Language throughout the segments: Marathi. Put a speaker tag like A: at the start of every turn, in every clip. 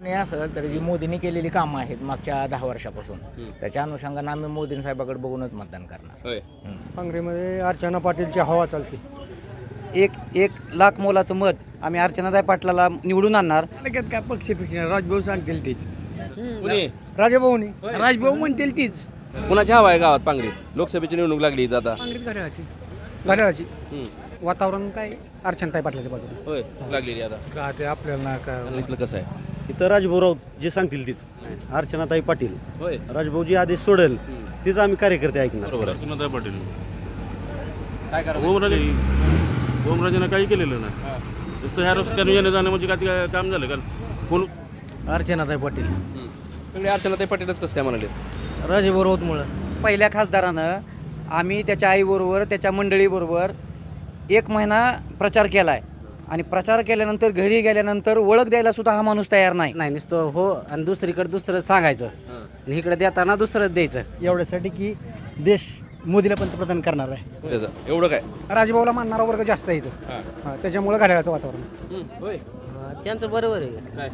A: नाही असेल तर जी मोदींनी केलेली कामं आहेत मागच्या 10 वर्षापासून त्याच्या अनुषंगाने आम्ही मोदीं साहेबाकडे बघूनच मतदान करणार.
B: होय.
C: काँग्रेसमध्ये अर्चना पाटीलची हवा चालते.
D: एक लाख मोलाचं मत आम्ही अर्चनाताई पाटलाला निवडून आणणार.
E: लगेच काय पक्ष राजभाऊ सांगतील तीच,
B: कुणी
C: राजाभाऊनी
E: राजभाऊ म्हणतील तीच.
B: कुणाची हवा आहे गावात पांगरीत? लोकसभेची निवडणूक लागली इथं आता.
C: घड्याळाची
B: हम्म.
C: वातावरण काय अर्चनाताई पाटलाच्या बाजूला.
B: होय लागलेली आता.
C: का ते आपल्याला काय
B: इथलं कसं आहे?
F: इथं राजभाऊ जे सांगतील तीच. अर्चनाताई पाटील,
B: होय.
F: राजभाऊ जी आदेश सोडेल तीच आम्ही कार्यकर्ते ऐकणार.
B: बरोबर आहे.
G: अर्चनाताई पाटील.
B: काय करा?
G: ओमराजेनं काही केलेलं नाही. नुसतं ह्या रस्त्याने येणं जाणं म्हणजे काय काम झालं कारण कोण
E: अर्चनाताई पाटील
B: सगळे अर्चनाताई पाटीलच कसं काय म्हणाले?
E: राजभाऊ राऊतमुळं.
D: पहिल्या खासदारानं आम्ही त्याच्या आईबरोबर त्याच्या मंडळीबरोबर 1 महिना प्रचार केला आहे आणि प्रचार केल्यानंतर घरी गेल्यानंतर ओळख द्यायला सुद्धा हा माणूस तयार नाही.
F: नाही नुसतं हो आणि दुसरीकडे दुसरं सांगायचं आणि इकडे देताना दुसरंच द्यायचं.
C: एवढ्यासाठी की देश मोदीला पंतप्रधान करणार आहे.
B: त्याचं एवढं काय?
C: राजभाऊला मानणारा वर्ग जास्त आहे इथं.
B: हां.
C: त्याच्यामुळे घड्याळाचं वातावरण.
B: होय.
E: त्यांचं बरोबर आहे.
B: काय?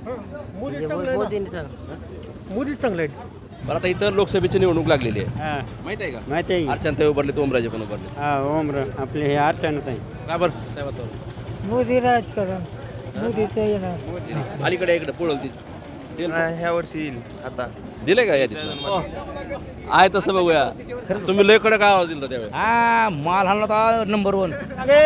C: मोदी चांगले आहेत.
B: बरं आता इथं लोकसभेची निवडणूक लागलेली आहे, माहित आहे का?
F: माहिती आहे
B: अर्चनाताई उभारले, ओमराजे पण उभारले.
F: ओमर आपले हे अर्चनाताई.
B: का बरं साहेब?
E: मोदी राजकारण, मोदी ते येणार.
B: अलीकडे इकडे पळवल ती
G: ह्या वर्षी येईल आता.
B: दिले का यादीत? आहे तसं बघूया. तुम्ही लय कडक आवाज दिला त्यावेळेस.
E: हा माल हाणला होता नंबर 1.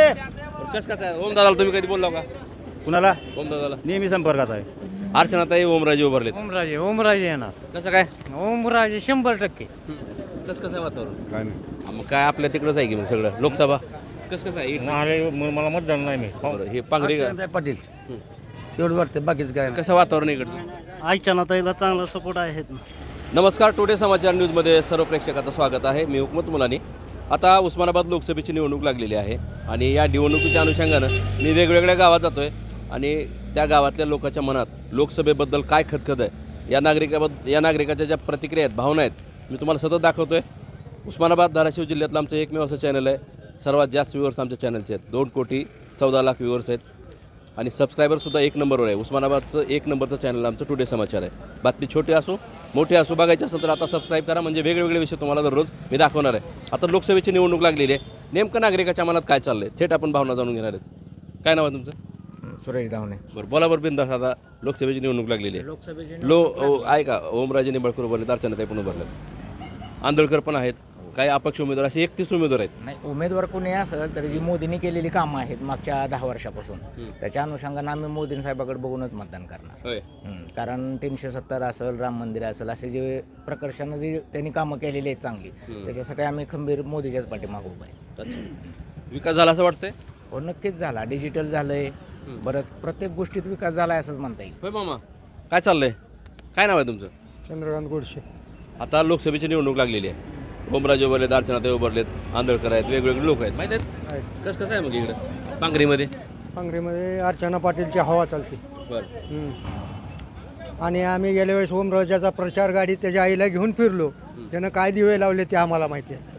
B: कसं कसं आहे? ओम दादाला तुम्ही कधी बोलला का?
F: कुणाला?
B: ओम दादाला.
F: नेहमी संपर्कात आहे.
B: अर्चनाताई ओमराजे उभारलेत.
E: ओमराजे येणार.
B: कसं काय?
E: ओमराजे 100%.
B: कसं कसं आहे वातावरण?
G: काय नाही.
B: मग काय आपल्या तिकडंच आहे की मग सगळं लोकसभा कसं कसं आहे?
G: मला मतदान नाही मी.
B: बरं, हे पांगरी का?
F: अर्चनाताई पाटील एवढं वाटतं, बाकीच काय
B: कसं वातावरण इकडचं?
F: अर्चनाताईला चांगला सपोर्ट आहेत ना.
B: नमस्कार, टुडे समाचार न्यूजमध्ये सर्व प्रेक्षकाचं स्वागत आहे. मी हुकमत मुलानी. आता उस्मानाबाद लोकसभेची निवडणूक लागलेली आहे आणि या निवडणुकीच्या अनुषंगानं मी वेगवेगळ्या गावात जातो आहे आणि त्या गावातल्या लोकांच्या मनात लोकसभेबद्दल काय खतखत आहे, या नागरिकाच्या ज्या प्रतिक्रिया आहेत, भावना आहेत, मी तुम्हाला सतत दाखवतो आहे. उस्मानाबाद धाराशिव जिल्ह्यातलं आमचं एकमेव असं चॅनल आहे, सर्वात जास्त व्ह्यूअर्स आमच्या चॅनलचे आहेत. 2,14,00,000 व्ह्यूअर्स आहेत आणि सबस्क्रायबरसुद्धा 1 नंबरवर आहे. उस्मानाबादचं 1 नंबरचं चॅनल आमचं टुडे समाचार आहे. बातमी छोटी असो मोठी असो, बघायची असेल तर आता सबस्क्राईब करा, म्हणजे वेगवेगळे विषय तुम्हाला दररोज मी दाखवणार आहे. आता लोकसभेची निवडणूक लागलेली आहे. नेमकं नागरिकाच्या मनात काय चाललं आहे थेट आपण भावना जाणून घेणार आहेत. काय नाव आहे तुमचं?
A: सुरेश दावणे.
B: बरं, बोला बरं बिंदास. आता लोकसभेची निवडणूक लागलेली आहे.
A: लोकसभेची
B: आहे का? ओमराजे निंबाळकर उभारलेत, अर्चनाताई पण उभारलेत, आंदोळकर पण आहेत, काही अपक्ष उमेदवार, असे 31 उमेदवार आहेत.
A: नाही उमेदवार कोणी असेल तर जी मोदींनी केलेली कामं आहेत मागच्या 10 वर्षापासून त्याच्या अनुषंगाने आम्ही मोदीं साहेबाकडे बघूनच मतदान करणार.
B: होय.
A: कारण 370 असेल, राम मंदिर असेल, असे जे प्रकर्षानं जी त्यांनी कामं केलेली आहेत चांगली, त्याच्यासाठी आम्ही खंबीर मोदीच्याच पाठीमागे उभा आहे.
B: अच्छा. विकास झाला असं वाटतंय?
A: हो नक्कीच झाला. डिजिटल झालंय, बरंच प्रत्येक गोष्टीत विकास झाला आहे असंच म्हणता येईल.
B: होय मामा, काय चाललंय? काय नाव आहे तुमचं?
C: चंद्रकांत गोडसे.
B: आता लोकसभेची निवडणूक लागलेली आहे. ओमराजे उभारलेत, अर्चनाताई उभारलेत, आंदोळकर आहेत, वेगवेगळे लोक आहेत, माहीत आहेत? कसं आहे मग इकडं पांगरीमध्ये?
C: काँग्रेसमध्ये अर्चना पाटीलची हवा चालते.
B: बरं.
C: आणि आम्ही गेल्या वेळेस ओमराजाचा प्रचार गाडी त्याच्या आईला घेऊन फिरलो. त्यानं काय दिवे लावले ते आम्हाला माहिती आहे.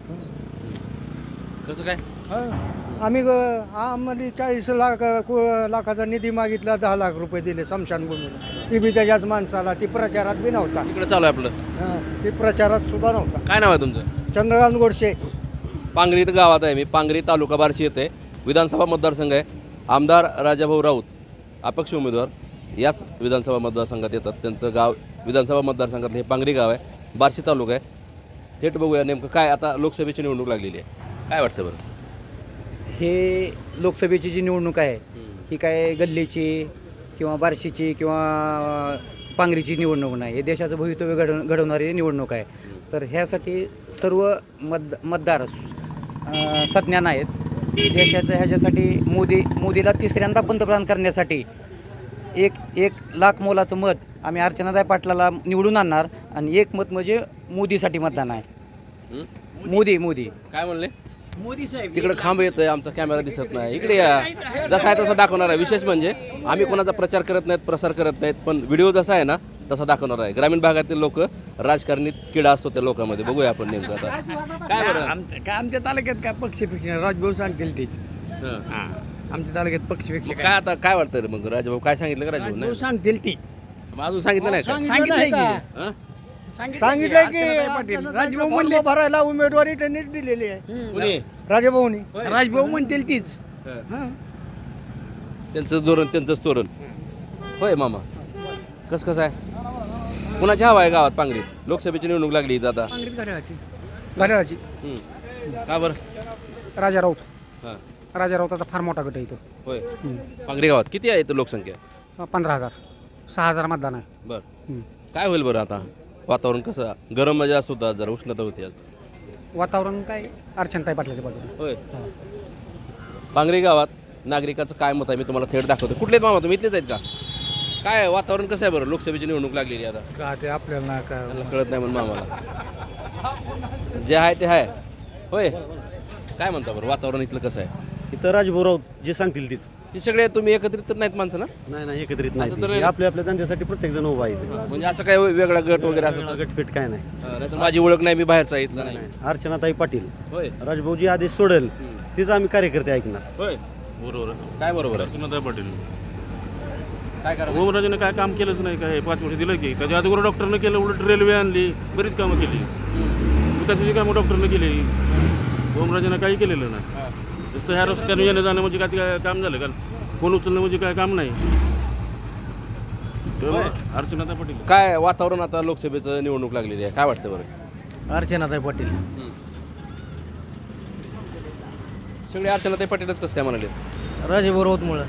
B: कसं काय?
C: आम्ही आम्हाला 40 लाखाचा निधी मागितला, 10 लाख रुपये दिले स्मशानभूमीला. ती बी त्याच्याच माणसाला, ती प्रचारात बी नव्हता.
B: इकडं चालू आहे आपलं.
C: ती प्रचारात सुद्धा नव्हता.
B: काय नाव आहे तुमचं?
C: चंद्रकांत गोडसे.
B: पांगरी गावात आहे मी. पांगरी तालुका बार्शी येथे विधानसभा मतदारसंघ आहे. आमदार राजाभाऊ राऊत अपक्ष उमेदवार याच विधानसभा मतदारसंघात येतात. त्यांचं गाव विधानसभा मतदारसंघातलं हे पांगरी गाव आहे, बार्शी तालुका आहे. थेट बघूया नेमकं काय. आता लोकसभेची निवडणूक लागलेली आहे, काय वाटतं बरं?
D: हे लोकसभेची जी निवडणूक आहे ही काय गल्लीची किंवा बार्शीची किंवा पांगरीची निवडणूक नाही. हे देशाचं भवितव्य घडवणारी निवडणूक आहे. तर ह्यासाठी सर्व मतदार सज्ञान आहेत. देशाचं ह्याच्यासाठी मोदीला तिसऱ्यांदा पंतप्रधान करण्यासाठी एक लाख मोलाचं मत आम्ही अर्चनाताई पाटलाला निवडून आणणार आणि 1 मत म्हणजे मोदीसाठी मतदान आहे. मोदी
B: काय म्हणले?
E: मोदी साहेब
B: तिकडे खांब येतोय, आमचा कॅमेरा दिसत नाही. इकडे या, जसा आहे तसा दाखवणार आहे. विशेष म्हणजे आम्ही कोणाचा प्रचार करत नाहीत, प्रसार करत नाहीत, पण व्हिडिओ जसा आहे ना तसा दाखवणार आहे. ग्रामीण भागातील लोक, राजकारणी किडा असतो त्या लोकांमध्ये. बघूया आपण नेमकं आता काय बरं.
E: आमच्या तालुक्यात काय पक्ष राजभाऊ सांगतील तीच. आमच्या तालुक्यात पक्ष
B: काय आता काय वाटतं रे मग? राजभाऊ काय सांगितलं का? राजभाऊ
E: राजभाऊ सांगतील ती.
B: मग अजून सांगितलं नाही का
E: सांगितलंय की
B: हां?
C: सांगितलंय की
E: अर्चनाताई पाटील
C: अर्चनाताईचा
E: राजभाऊ
C: फॉर्म
E: म्हणले
C: भरायला उमेदवारी त्यांनीच दिलेली आहे
B: कोणी
C: राजाभाऊनी
B: होय.
E: राजभाऊ म्हणतील तीच
B: हां.
E: हां.
B: त्यांचंच धोरण त्यांचंच तोरण होय मामा कसं आहे कुणाची हवा आहे गावात पांगरीत लोकसभेची निवडणूक लागली इथं आता
C: घड्याळाची
B: का बरं
C: राजा राऊत
B: हां
C: राजा राऊताचा फार मोठा गट आहे इथं
B: होय पांगरी गावात किती आहे इथं लोकसंख्या
C: 15,000 6,000 मतदान आहे
B: बरं काय होईल बरं आता वातावरण कसं गरम मजा जास्त होतं आज जरा उष्णता होती आज
C: वातावरण काय अर्चनाताई पाटलाच्या बाजूने
B: होय पांगरी गावात नागरिकाचं काय मत आहे मी तुम्हाला थेट दाखवतो कुठले आहेत मामा तुम्ही इथलेच आहेत का काय वातावरण कसं आहे बरं लोकसभेची निवडणूक लागलेली आहे आता
C: का ते आपल्याला काय
B: मला कळत नाही म्हणून मामाला जे आहे ते आहे होय काय म्हणता बरं वातावरण इथलं कसं आहे
H: इथं राजभाऊ जे सांगतील तीच
B: हे सगळे तुम्ही एकत्रित तर नाहीत माणसं ना
H: नाही एकत्रित
B: असं तर
H: नाही आपल्या आपल्या धंद्यासाठी प्रत्येक जण उभा आहे
B: म्हणजे असं काय वेगळा गट वगैरे असं तर-
H: गटफिट काय नाही
B: नाहीतर माझी ओळख नाही मी बाहेरचा इथला नाही
H: अर्चनाताई पाटील
B: होय
H: राजभाऊजी आदेश सोडेल तीच आम्ही कार्यकर्ते ऐकणार
B: होय
G: बरोबर आहे
B: काय बरोबर आहे
G: अर्चनाताई पाटील
B: काय करा
G: ओमराजेने काय काम केलंच नाही काय 5 वर्ष दिलं की त्याच्या अगोदर डॉक्टरनं केलं उलट रेल्वे आणली बरीच कामं केली विकासाची कामं डॉक्टरनं केली ओमराजेनं काही केलेलं नाही नुसतं ह्या रस्त्यानं येणं जाणं म्हणजे काय काम झालं कारण फोन उचलणं म्हणजे काय काम नाही तेव्हा अर्चनाताई पाटील
B: काय वातावरण आता लोकसभेचं निवडणूक लागलेली आहे काय वाटतं बरं
E: अर्चनाताई पाटील
B: सगळे अर्चनाताई पाटीलच कसं काय म्हणाले
E: राजभाऊ राऊतमुळं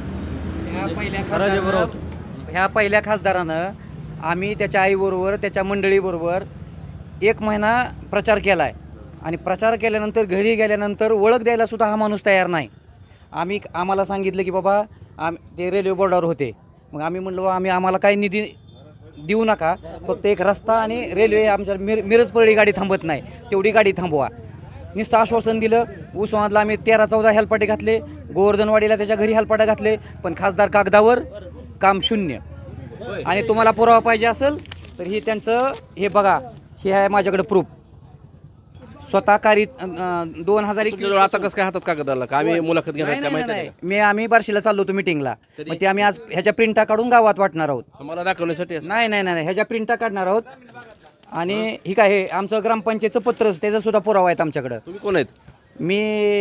D: ह्या पहिल्या खासदारानं आम्ही त्याच्या आईबरोबर त्याच्या मंडळीबरोबर 1 महिना प्रचार केला आहे आणि प्रचार केल्यानंतर घरी गेल्यानंतर ओळख द्यायला सुद्धा हा माणूस तयार नाही आम्हाला सांगितलं की बाबा ते रेल्वे बोर्डावर होते मग आम्ही म्हणलो आम्हाला काही निधी देऊ नका फक्त एक रस्ता आणि रेल्वे आमच्या मिरजपरळी गाडी थांबत नाही तेवढी गाडी थांबवा नुसतं आश्वासन दिलं उस्मानातला आम्ही 13-14 हेलपाटे घातले गोवर्धनवाडीला त्याच्या घरी हेलपाटे घातले पण खासदार कागदावर काम शून्य आणि तुम्हाला पुरावा पाहिजे असेल तर ही त्यांचं हे बघा हे आहे माझ्याकडे प्रूफ स्वतः कारित 2021
B: तुमच्याजवळ आता कसं काय हातात कागद आला का आम्ही मुलाखत घेणार काय माहिती आहे का?
D: आम्ही बार्शीला चाललो होतो मिटिंगला मग ते आम्ही आज ह्याच्या प्रिंटा काढून गावात वाटणार आहोत
B: आम्हाला दाखवण्यासाठी असं.
D: नाही ह्याच्या प्रिंटा काढणार आहोत आणि ही काय हे आमचं ग्रामपंचायतचं पत्रच त्याचा सुद्धा पुरावा आहेत आमच्याकडं
B: तुम्ही कोण आहेत
D: मी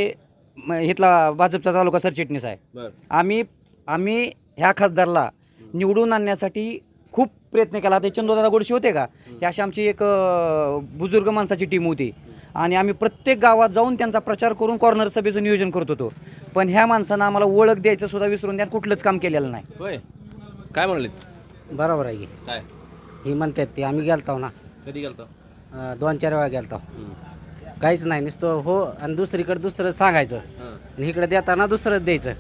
D: इथला भाजपचा तालुका सरचिटणीस आहे
B: बरं
D: आम्ही ह्या खासदारला निवडून आणण्यासाठी खूप प्रयत्न केला ते चंदोदादा गोडशी होते का ही अशी आमची एक बुजुर्ग माणसाची टीम होती आणि आम्ही प्रत्येक गावात जाऊन त्यांचा प्रचार करून कॉर्नर सभेचं नियोजन करत होतो पण ह्या माणसानं आम्हाला ओळख द्यायचं सुद्धा विसरून द्या कुठलंच काम केलेलं नाही
B: होय काय म्हणाले
F: बरोबर आहे की
B: काय
F: ही म्हणतात ते आम्ही गेलतो ना
B: कधी गेलता
F: 2-4 वेळा गेलतो काहीच नाही नुसतं हो आणि दुसरीकडे दुसरं सांगायचं आणि इकडे देताना दुसरंच द्यायचं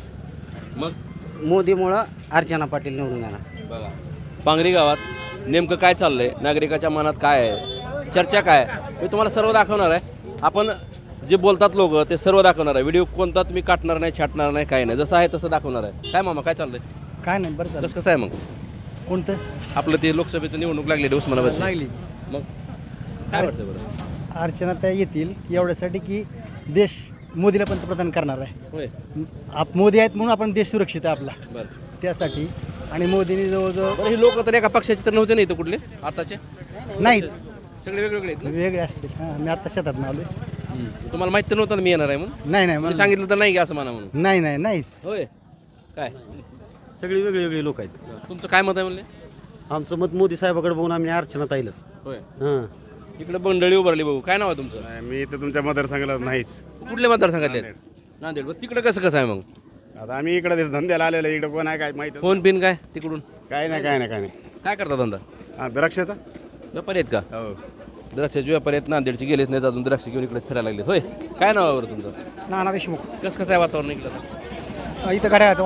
B: मग
F: मोदीमुळं अर्चना पाटील निवडून येणार
B: बघा पांगरी गावात नेमकं काय चाललंय नागरिकाच्या मनात काय आहे चर्चा काय आहे मी तुम्हाला सर्व दाखवणार आहे आपण जे बोलतात लोक ते सर्व दाखवणार आहे व्हिडिओ कोणता तुम्ही काटणार नाही छाटणार नाही काय नाही जसं आहे तसं दाखवणार आहे काय मामा काय चाललंय
C: काय नाही बरं
B: कसं कसं आहे मग
C: कोणतं
B: आपलं ते लोकसभेचं निवडणूक लागलेली उस्मानाबादची
C: लागली
B: मग काय वाटतं बरं
C: अर्चनाताई येतील एवढ्यासाठी की देश मोदीला पंतप्रधान करणार आहे
B: होय
C: मोदी आहेत म्हणून आपण देश सुरक्षित आहे आपला
B: बरं
C: त्यासाठी आणि मोदींनी जवळजवळ
B: बरं हे लोक तर एका पक्षाचे तर नव्हते नाही इथं कुठले आताचे
C: नाहीत
B: सगळे वेगवेगळे आहेत ना?
C: वेगळे असतील हां मी आता शेतात आलो
B: तुम्हाला माहिती तर नव्हतं ना मी येणार आहे म्हणून
C: नाही
B: मी सांगितलं तर नाही की असं म्हणा म्हणून
C: नाहीच
B: होय काय
H: सगळी वेगळी लोक आहेत
B: तुमचं काय मत आहे म्हणले
H: आमचं मत मोदी साहेबाकडे बघून आम्ही अर्चनाताईलाच
B: होय
H: हां
B: इकडे बंडळी उभारली भाऊ काय नाव आहे तुमचं
G: मी तर तुमच्या मतदारसंघाला नाहीच
B: कुठले मतदारसंघातले आहेत? नांदेड बरं तिकडे कसं आहे मग
G: आता आम्ही इकडे धंद्याला आलेलो इकडे कोण आहे काय माहिती
B: फोन पिन काय तिकडून
G: काय नाही
B: काय करता धंदा
G: हा द्राक्षाचा
B: व्यापारी आहेत का
G: हो
B: द्राक्षाचे व्यापारी आहेत नांदेडचे गेलेच नाही अजून द्राक्ष घेऊन इकडेच फिरायला लागलेत होय काय नाव आहे बरं तुमचं
C: नाना देशमुख
B: कसं आहे वातावरण इकडं
C: इथं घड्याळाचं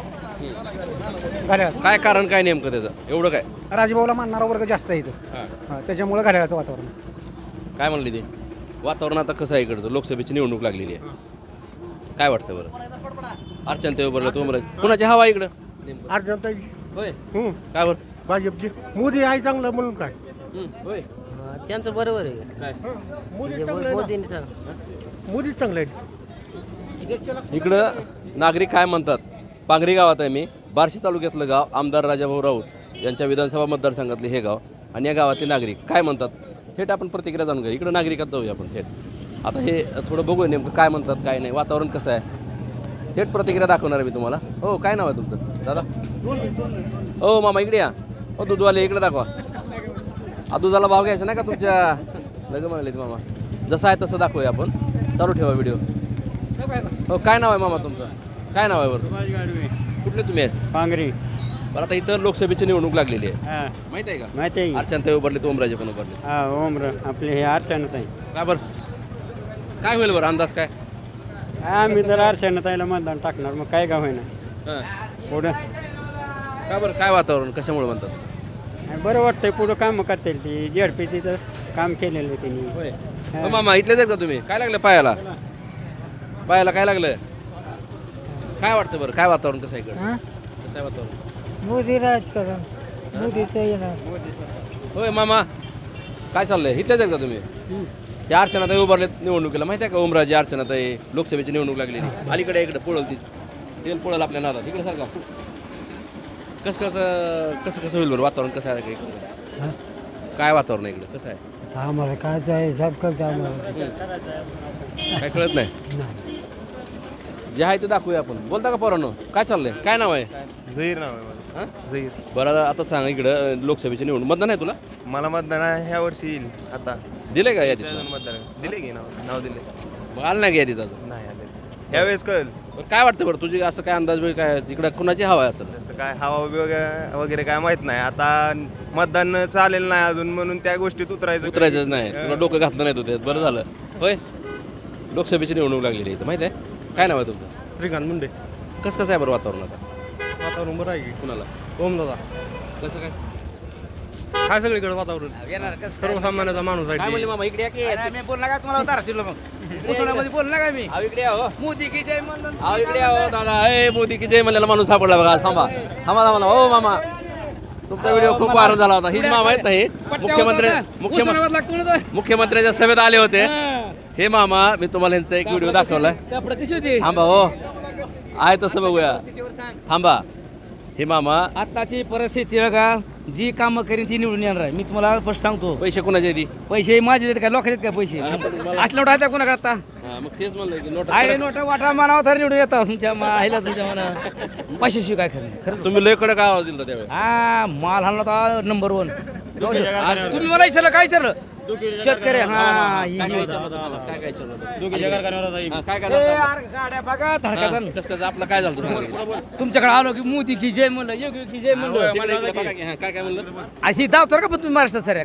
C: वातावरण घड्याळ
B: काय कारण काय नेमकं त्याचं एवढं काय
C: राजभाऊला मानणारा वर्ग जास्त आहे इथं
B: हां
C: त्याच्यामुळे घड्याळाचं वातावरण
B: काय म्हणली ते वातावरण आता कसं आहे इकडचं लोकसभेची निवडणूक लागलेली आहे काय वाटतं बरं अर्चना बरं तुम्हाला कुणाची हवा इकडं नेमकं?
C: अर्चनाताई
B: होय काय बरं
C: भाजपची मोदी आहे चांगलं म्हणून काय
B: होय
E: त्यांचं बरोबर आहे
B: काय
C: मोदी चांगलं आहे
B: इकडं नागरिक काय म्हणतात पांगरी गावात आहे मी बार्शी तालुक्यातलं गाव आमदार राजाभाऊ राऊत यांच्या विधानसभा मतदारसंघातले हे गाव आणि या गावातले नागरिक काय म्हणतात थेट आपण प्रतिक्रिया जाणून घ्या. इकडं नागरिकात जाऊया आपण थेट. आता हे थोडं बघूया नेमकं काय म्हणतात काय नाही, वातावरण कसं आहे, थेट प्रतिक्रिया दाखवणार आहे मी तुम्हाला. हो, काय नाव आहे तुमचं दादा? हो मामा इकडे या. हो दूधवाले इकडे दाखवा. दुधाला भाव घ्यायचा नाही का तुमच्या? लगे म्हणाले मामा. जसं आहे तसं दाखवूया आपण. चालू ठेवा व्हिडिओ. हो, काय नाव आहे मामा तुमचं? काय नाव आहे बरं? कुठले तुम्ही आहेत?
C: पांगरी.
B: बरं, आता इथं लोकसभेची निवडणूक लागलेली आहे,
C: हां
B: माहिती आहे का?
C: माहिती आहे.
B: अर्चनाताई उभारले, ओमराजे पण उभारले.
C: हां ओमर आपले हे अर्चनाताई.
B: काय बरं, काय होईल बरं अंदाज काय?
C: आम्ही तर अर्चनाताईला मतदान टाकणार, मग काय का होईना.
B: हां,
C: पुढं
B: काय बरं, काय वातावरण कशामुळे म्हणतात?
C: बरं वाटतंय, पुढं कामं करतील ती झेडपी तिथं काम केलेलं त्यांनी.
B: होय. हो मामा, इथलेच आहेत का तुम्ही? काय लागलं पायाला? पायाला काय लागलं? काय वाटतं बरं, काय वातावरण कसं आहे इकडं? कसं आहे वातावरण?
E: मोदी राजकारण मोदी तर येणार.
B: होय मामा, काय चाललंय? इथलेच आहेत का तुम्ही? त्या अर्चनाताई उभारलेत निवडणुकीला, माहिती आहे का? ओमराजे अर्चनाताई लोकसभेची निवडणूक लागलेली. अलीकडे इकडे पळल ती तेल पळल आपल्या नादात. इकडे सारखा कसं कसं कसं कसं होईल बरं वातावरण कसं आहे इकडे? काय वातावरण आहे इकडे कसं आहे?
C: आम्हाला काय आहे सब करतो आम्हाला.
B: काय कळत नाही. जे आहे ते दाखवूया आपण. बोलता का पोरांनो? काय चाललंय? काय नाव आहे?
I: झहीर नाव आहे माझं.
B: हां,
I: झहीर.
B: बरं, आता सांग इकडं लोकसभेची निवडणूक मतदान आहे तुला?
I: मला मतदान आहे ह्या वर्षी येईल आता.
B: दिले का यादीत?
I: अजून मतदान दिले की नाव दिले
B: मग आलं नाही का यादीत अजून?
I: नाही आले. ह्यावेळेस कळेल.
B: बरं, काय वाटतं बरं तुझी असं काय अंदाज वेळ काय तिकडं कुणाची हवा आहे असेल?
I: तसं काय हवा वगैरे काय माहित नाही. आता मतदान चालेल नाही अजून म्हणून त्या गोष्टीत
B: उतरायचंच नाही. तुला डोकं घातलं नाही तू त्यात. बरं झालं. होय, लोकसभेची निवडणूक लागलेली आहे इथं, माहिती आहे? काय नाव आहे तुमचं?
H: श्रीकांत मुंडे.
B: कसं कसं आहे बरं वातावरण आता?
H: वातावरण बरं आहे की
B: कुणाला?
H: ओम दादा.
B: कसं काय?
H: काय सगळीकडे वातावरण सर्वसामान्याचा माणूस
B: काय म्हणले मामा? इकडे या की.
E: मी बोलला का तुम्हाला तारशीला मग मुसळामध्ये बोलला का मी?
B: अहो, इकडे या हो.
E: मोदी की जय म्हणून.
B: अहो, इकडे या हो दादा. ए मोदी की जय म्हणलेला माणूस सापडला बघा. थांबा थांबा थांबा. हो मामा, तुमचा व्हिडिओ खूप व्हायरल झाला होता. हीच मामा आहेत नाही मुख्यमंत्र्यांच्या सभेत आले होते हे मामा. मी तुम्हाला यांचा एक व्हिडिओ दाखवलाय.
E: कपडे कशी होती?
B: थांबा हो, आहे तसं बघूया. थांबा. हे मामा
E: आताची परिस्थिती बघा, जी कामं करीन ती निवडून येणार आहे. मी तुम्हाला स्पष्ट सांगतो.
B: पैसे कोणाचे ती?
E: पैसे माझे आहेत काय लोकांचे आहेत काय पैसे? असल्या नोटा आहेत कोणा करता?
B: मग तेच म्हणलं की नोट
E: आले नोटा वाटा मानावर तर निवडून येतात तुमच्या माहिला तुमच्या मना पैशाशिवाय काय खरं नाही. खरं
B: तुम्ही लय कडक आवाज दिला त्यावेळेस.
E: हा माल हाणला होता नंबर 1. तुम्ही मला विचारलं काय विचारलं? शेतकरी हा ही-
B: काय
E: ही-
B: विचारलं तुम्हाला? काय काय विचारलं होतं? हा, काय
E: ए,
B: काय
E: यार, गाड्या बघा धडकाचं.
B: कसं कसं आपलं काय झालं होतं?
E: तुमच्याकडे आलो की मोदी की जय म्हणलं, योगी की जय म्हणलं.
B: काय काय म्हणलं?
E: अशी दावतर का पण तुम्ही महाराष्ट्रात सर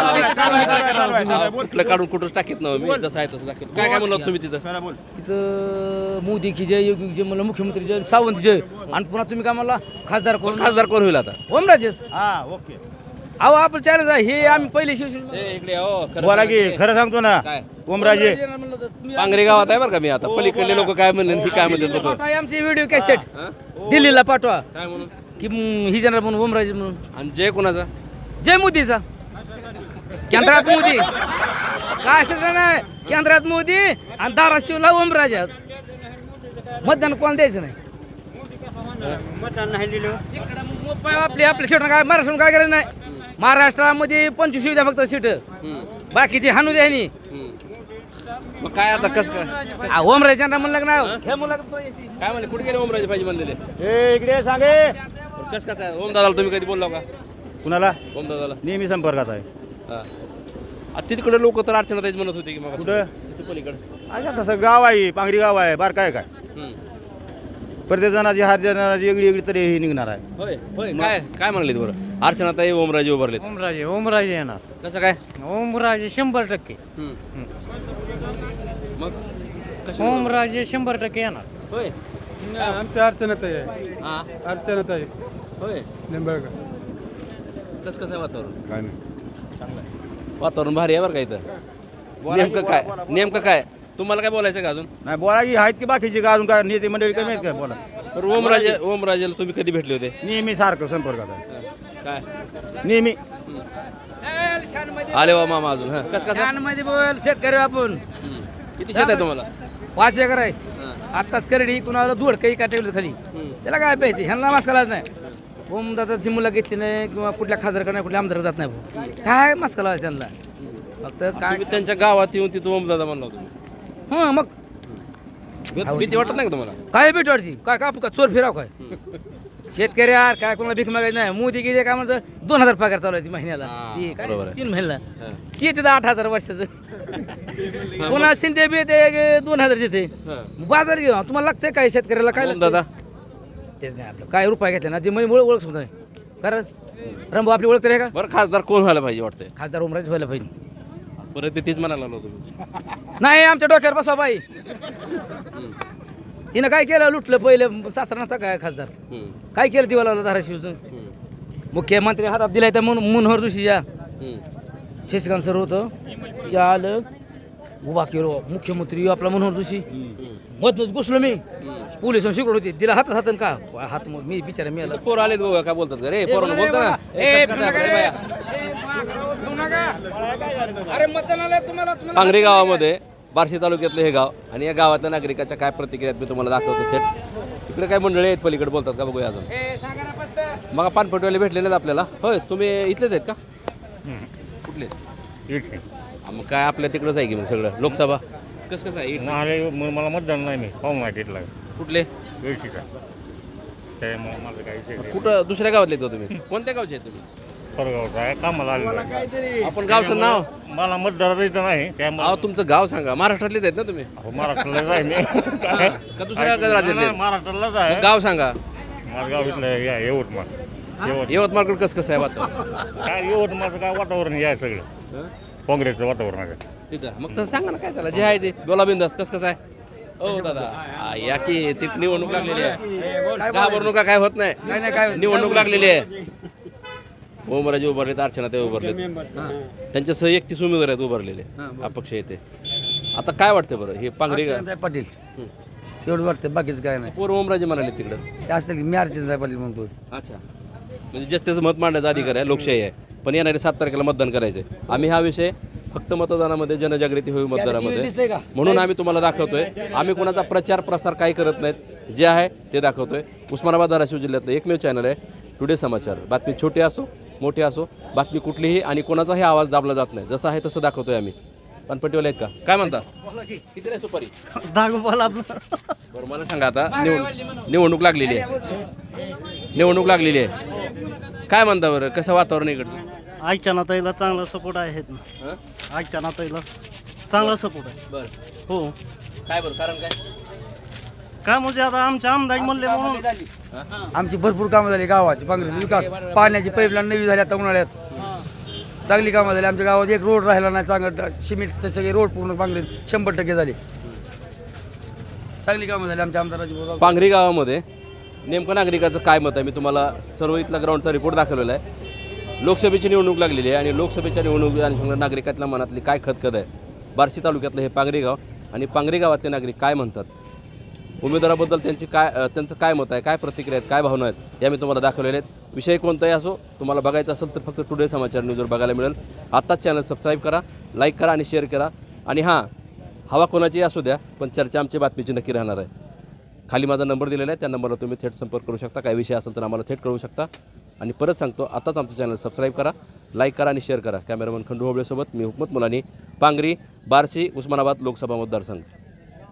B: कुठलं काढून कुठंच टाकीत ना मी. जसं आहे तसं दाखवत. काय काय म्हणलं तुम्ही तिथं?
E: तिथं मोदी की जय, योगी की जय म्हणलं, मुख्यमंत्री जय, सावंत जय, आणि पुन्हा तुम्ही काय म्हणला खासदार कोण?
B: खासदार कोण होईल आता?
E: ओमराजेस.
H: हा ओके.
E: अहो आपण चॅलेंज आहे हे, आम्ही पहिले शिवसेना
B: इकडे या, हो. खरं
H: बोला की
B: सांगा.
H: खरं सांगतो ना.
B: काय?
H: ओमराजे.
E: म्हणलं तर तुम्ही-
B: पांगरे गावात आहे बरं का मी आता. पलीकडले लोक काय म्हणले ही काय म्हणतात लोक?
E: पाठवा आमचे व्हिडिओ कॅसेट दिल्लीला पाठवा
B: काय म्हणून?
E: की ही जाणार म्हणून ओमराजे म्हणून.
B: आणि जय कोणाचा?
E: जय मोदीचा. केंद्रात मोदी काय असं नाही, केंद्रात मोदी आणि धाराशिवला ओमराजा. मतदान कोण द्यायचं नाही.
C: मतदान नाही दिलं.
E: आपल्या सीट काय महाराष्ट्रात काय करायचं नाही. महाराष्ट्रामध्ये 25 द्या फक्त सीट, बाकीची हाणू द्या ह्यांनी.
B: मग काय आता कसं काय?
E: ओमराजांना म्हणलं नाही हे म्हणलं
B: काय म्हणले? कुठे गेले ओमराजे पाहिजे म्हणलेले?
H: ए इकडे सांगे.
B: कसं कसं आहे? ओम दादाला तुम्ही कधी बोलला का?
H: कुणाला?
B: ओम दादाला?
H: नेहमी संपर्कात आहे.
B: हा. तिकडे लोक तर अर्चनाताईच म्हणत होते की मग
H: कुठं?
B: तिथं पलीकडे.
H: अच्छा तसं गाव आहे, पांगरी गाव आहे, बार काय काय प्रत्येक जणाची हर जणाची वेगळी वेगळी तरी ही निघणार आहे.
B: होय होय. काय काय म्हणले बरं? अर्चनाताई ओमराजे उभारलेत.
E: ओमराजे येणार.
B: कसं काय?
E: ओमराजे 100%.
B: मग
E: ओमराजे 100% येणार.
B: होय.
C: आमच्या अर्चनाताई आहे.
B: हा.
C: अर्चनाताई
B: होय.
C: निंबाळकर.
B: कसं कसं आहे वातावरण?
H: काय नाही.
B: वातावरण भारी आहे बरं का इथं. नेमकं काय तुम्हाला काय बोलायचं का अजून?
H: नाही बोला की आहेत की बाकीची का अजून काय नेते मंडळी कमी आहेत का बोला.
B: तर ओमराजेला तुम्ही कधी भेटले होते?
H: नेहमी सारखं संपर्कात आहे.
B: काय
H: नेहमी.
B: आले वा मामा अजून. हा. कसं कसं?
E: मध्ये बोल शेतकरी आपण.
B: किती शेत आहे तुम्हाला?
E: 5 एकर आहे. आत्ताच करडी कुणाला धुड काही का ठेवलं खाली. त्याला काय प्यायचे ह्यांना मास्क घालायचं नाही. ओमदादाची मुलं घेतली नाही किंवा कुठल्या खासदारकडे नाही कुठल्या आमदार जात नाही भाऊ. काय मस्का लावायचं त्यांना फक्त काय
B: तुम्ही त्यांच्या गावात येऊन तिथं ओमदादा म्हणला होता
E: मग
B: भीती वाटत नाही का तुम्हाला
E: काय भेट वाटची काय का चोर फिराव काय शेतकरी यार काय कोणाला भीक मागायची नाही मोदी गेले काय म्हणजे 2000 पगार चालू आहे महिन्याला ही काय
B: बरोबर आहे.
E: 3 महिन्याला येते 8000 वर्षाचं पुन्हा शिंदे बी ते 2000 देते बाजार घेऊ तुम्हाला लागतंय काय शेतकऱ्याला काय लागतंय?
B: ओमदादा
E: तेच नाही आपलं काय रुपये घेतले ना जे म्हणजे ओळख सुद्धा नाही कारण रंबू आपली ओळख तरी आहे का
B: बरं खासदार कोण व्हायला पाहिजे वाटतंय
E: खासदार उमराज व्हायला पाहिजे
B: परत ते तीच म्हणायला लागलो तुम्ही
E: नाही आमच्या डोक्यावर बसवा बाई तिनं काय केलं लुटलं पहिलं सासरा नसता काय खासदार काय केलं दिवाला धाराशिवचं मुख्यमंत्री हातात दिलाय तर मनोहर जोशीच्या शशिकांत सर होतं या आलं उभा केलो मुख्यमंत्री आपला मनोहर जोशी मधनच घुसलो मी पोलिस शिकवत होते दिला हातात हातन का हात मी बिचारा मी आला
B: पोर आले गोवा काय बोलतात का रे पोरांना बोलता ना ए, कसं काय आपलं बाया?
E: अरे मतदानाला तुम्हाला
B: पांगरी गावामध्ये बार्शी तालुक्यातलं हे गाव आणि या गावातल्या नागरिकाच्या काय प्रतिक्रिया आहेत मी तुम्हाला दाखवतो थेट इकडे काय मंडळी आहेत पलीकडे बोलतात का बघूया अजून मग पानपटवाले भेटले नाहीत आपल्याला होय तुम्ही इथलेच आहेत का कुठले हा, मग काय आपल्या तिकडंच आहे की मग सगळं लोकसभा कसं आहे
J: नाही मला मतदान नाही मी पाहून नाही तिथला
B: कुठले
J: वेळशीचा त्यामुळे माझं काही
B: कुठं दुसऱ्या गावातले आहेत का तुम्ही कोणत्या गावचे आहेत तुम्ही
J: परगावचा आहे कामाला आलेला आहे.
B: आपण गावचं नाव
J: मला मतदार इथं नाही त्यामुळे
B: अहो तुमचं गाव सांगा महाराष्ट्रातलेच आहेत ना तुम्ही
J: महाराष्ट्रालाच आहे मी
B: का दुसऱ्या राज्यातले आहेत?
J: महाराष्ट्रालाच आहे
B: मग गाव सांगा
J: माझं गाव इथलं या यवतमाळ
B: यवतमाळकडे कसं आहे वातावरण
J: काय यवतमाळचं काय वातावरण हे आहे सगळं काँग्रेसचं वातावरण आहे
B: तिथं मग तसं सांगा ना काय त्याला जे आहे ते बोला बिंदास कसं आहे हो दादा या की ती निवडणूक लागलेली आहे घाबरणुका काय होत नाही निवडणूक लागलेली आहे ओमराजे उभारलेत अर्चना ते उभारलेत त्यांच्यासह 31 उमेदवार आहेत उभारलेले अपक्ष येते आता काय वाटतं बरं हे पांगरी
D: पाटील एवढं वाटतं बाकीचं काय नाही
B: पोर ओमराजे म्हणाले तिकडं
D: ते असतं की मी अर्चना पाटील म्हणतो
B: अच्छा म्हणजे जास्तीचं मत मांडण्याचा अधिकार आहे लोकशाही आहे पण येणारे 7 तारखेला मतदान करायचं आहे आम्ही हा विषय फक्त मतदानामध्ये जनजागृती होईल मतदानामध्ये म्हणून आम्ही तुम्हाला दाखवतोय आम्ही कोणाचा प्रचार प्रसार काही करत नाहीत जे आहे ते दाखवतोय उस्मानाबाद धाराशिव जिल्ह्यातलं एकमेव चॅनल आहे टुडे समाचार बातमी छोटी असो मोठी असो बातमी कुठलीही आणि कोणाचाही आवाज दाबला जात नाही जसं आहे तसं दाखवतोय आम्ही पानपट्टीवाले आहेत का काय म्हणता किती नाही सुपारी बरं मला सांगा आता निवडणूक लागलेली आहे काय म्हणता बरं कसं वातावरण इकडचं
K: अर्चना ताईला चांगला सपोर्ट आहेत ना अर्चना ताईला चांगला सपोर्ट आहे
B: बरं
K: हो
B: काय बरं कारण काय
K: काय म्हणजे आता आमचे आमदार म्हणले म्हणून
D: आमची भरपूर कामं झाली गावाची पांगरी विकास पाण्याची पाईपलाईन नवी झाली आता उन्हाळ्यात चांगली कामं झाली आमच्या गावात एक रोड राहिला नाही चांगलं सिमेंटचे सगळे रोड पूर्ण पांगरीत 100% झाले चांगली कामं झाली आमच्या आमदाराची
B: पांगरी गावामध्ये नेमकं नागरिकाचं काय मत आहे मी तुम्हाला सर्व इथला ग्राउंडचा रिपोर्ट दाखवलेला आहे लोकसभेची निवडणूक लागलेली आहे आणि लोकसभेच्या निवडणुकीत आणि नागरिकातल्या मनातली काय खतखत आहे बार्शी तालुक्यातलं हे पांगरी गाव आणि पांगरी गावातले नागरिक काय म्हणतात उमेदवाराबद्दल त्यांचं काय मत आहे काय प्रतिक्रिया आहेत काय भावना आहेत या मी तुम्हाला दाखवलेले आहेत विषय कोणताही असो तुम्हाला बघायचं असेल तर फक्त टुडे समाचार न्यूजवर बघायला मिळेल आत्ताच चॅनल सबस्क्राईब करा लाईक करा आणि शेअर करा आणि हां हवा कोणाची असू द्या पण चर्चा आमची बातमीची नक्की राहणार आहे खाली माझा नंबर दिलेला आहे त्या नंबरला तुम्ही थेट संपर्क करू शकता काही विषय असेल तर आम्हाला थेट कळवू शकता आणि परत सांगतो आताच आमचं चॅनल सबस्क्राईब करा लाईक करा आणि शेअर करा कॅमेरामन खंडू होबळेसोबत मी हुकमत मुलानी पांगरी बार्शी उस्मानाबाद लोकसभा मतदारसंघ